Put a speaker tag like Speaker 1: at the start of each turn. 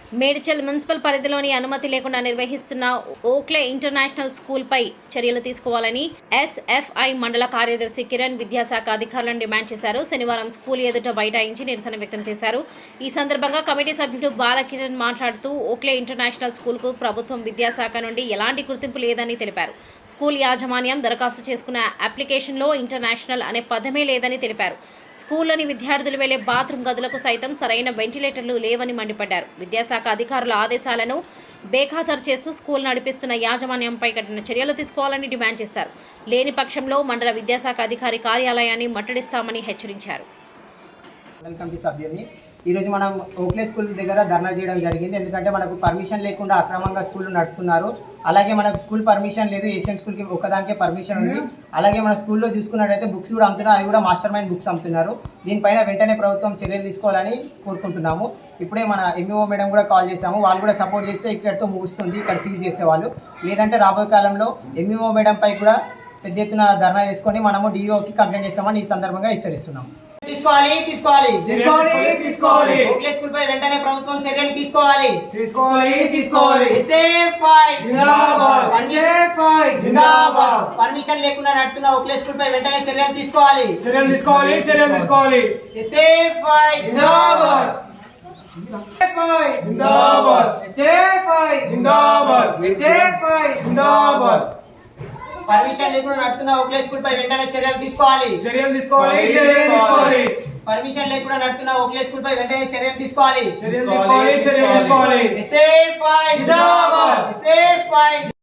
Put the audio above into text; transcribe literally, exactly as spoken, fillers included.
Speaker 1: Medchal municipal పరిధిలోని అనుమతి లేకుండా నిర్వహిస్తున్న ఓక్లే ఇంటర్నేషనల్ స్కూల్ పై చర్యలు తీసుకోవాలని ఎస్ఎఫ్ఐ మండల కార్యదర్శి కిరణ్ విద్యాశాఖ అధికారులను డిమాండ్ చేశారు. శనివారం స్కూల్ ఎదుట బైఠాయించి నిరసన వ్యక్తం చేశారు. ఈ సందర్భంగా కమిటీ సభ్యుడు బాలకిరణ్ మాట్లాడుతూ ఓక్లే ఇంటర్నేషనల్ స్కూల్ కు ప్రభుత్వం విద్యాశాఖ నుండి ఎలాంటి గుర్తింపు లేదని తెలిపారు. స్కూల్ యాజమాన్యం దరఖాస్తు చేసుకున్న అప్లికేషన్లో ఇంటర్నేషనల్ అనే పదమే లేదని తెలిపారు. స్కూల్లోని విద్యార్థులు వెళ్లే బాత్రూమ్ గదులకు సైతం సరైన వెంటిలేటర్లు లేవని మండిపడ్డారు. విద్యాశాఖ అధికారుల ఆదేశాలను బేఖాతరు చేస్తూ స్కూల్ నడిపిస్తున్న యాజమాన్యంపై కఠిన చర్యలు తీసుకోవాలని డిమాండ్ చేశారు. లేని పక్షంలో మండల విద్యాశాఖ అధికారి కార్యాలయాన్ని ముట్టడిస్తామని హెచ్చరించారు.
Speaker 2: ఈరోజు మనం ఓక్లే స్కూల్ దగ్గర ధర్నా చేయడం జరిగింది. ఎందుకంటే మనకు పర్మిషన్ లేకుండా అక్రమంగా స్కూల్ నడుపుతున్నారు. అలాగే మనకు స్కూల్ పర్మిషన్ లేదు, ఏసీఎం స్కూల్కి ఒకదానికే పర్మిషన్ ఉంది. అలాగే మన స్కూల్లో చూసుకున్నట్టయితే బుక్స్ కూడా అమ్ముతున్నారు, అది కూడా మాస్టర్ మైండ్ బుక్స్ అమ్ముతున్నారు. దీనిపైన వెంటనే ప్రభుత్వం చర్యలు తీసుకోవాలని కోరుకుంటున్నాము. ఇప్పుడే మన ఎంఈఓ మేడం కూడా కాల్ చేశాము, వాళ్ళు కూడా సపోర్ట్ చేస్తే ఇక్కడితో ముగుస్తుంది, ఇక్కడ సీజ్ చేసేవాళ్ళు. లేదంటే రాబోయే కాలంలో ఎంఈఓ మేడం పై కూడా పెద్ద ఎత్తున ధర్నా చేసుకొని మనము డిఓకి కంప్లైంట్ చేస్తామని ఈ సందర్భంగా హెచ్చరిస్తున్నాం. తీసుకోవాలి తీసుకోవాలి
Speaker 3: తీసుకోవాలి తీసుకోవాలి
Speaker 2: ఓక్లే స్కూల్ పై వెంటనే ప్రభుత్వం చర్యలు తీసుకోవాలి
Speaker 3: తీసుకోవాలి తీసుకోవాలి
Speaker 2: జిందాబాద్
Speaker 3: జిందాబాద్ జిందాబాద్
Speaker 2: పర్మిషన్ లేకుండా నడుస్తున్న ఓక్లే స్కూల్ పై వెంటనే చర్యలు తీసుకోవాలి
Speaker 3: చర్యలు తీసుకోవాలి చర్యలు తీసుకోవాలి
Speaker 2: జిందాబాద్
Speaker 3: జిందాబాద్ జిందాబాద్ జిందాబాద్
Speaker 2: పర్మిషన్ లేకుండా నడుస్తున్న ఓక్లే స్కూల్ పై వెంటనే చర్యలు తీసుకోవాలి
Speaker 3: చర్యలు తీసుకోవాలి చర్యలు తీసుకోవాలి
Speaker 2: పర్మిషన్ లేకుండా నడుస్తున్న ఓక్లే స్కూల్ పై వెంటనే చర్యలు తీసుకోవాలి
Speaker 3: చర్యలు తీసుకోవాలి చర్యలు తీసుకోవాలి
Speaker 2: జిందాబాద్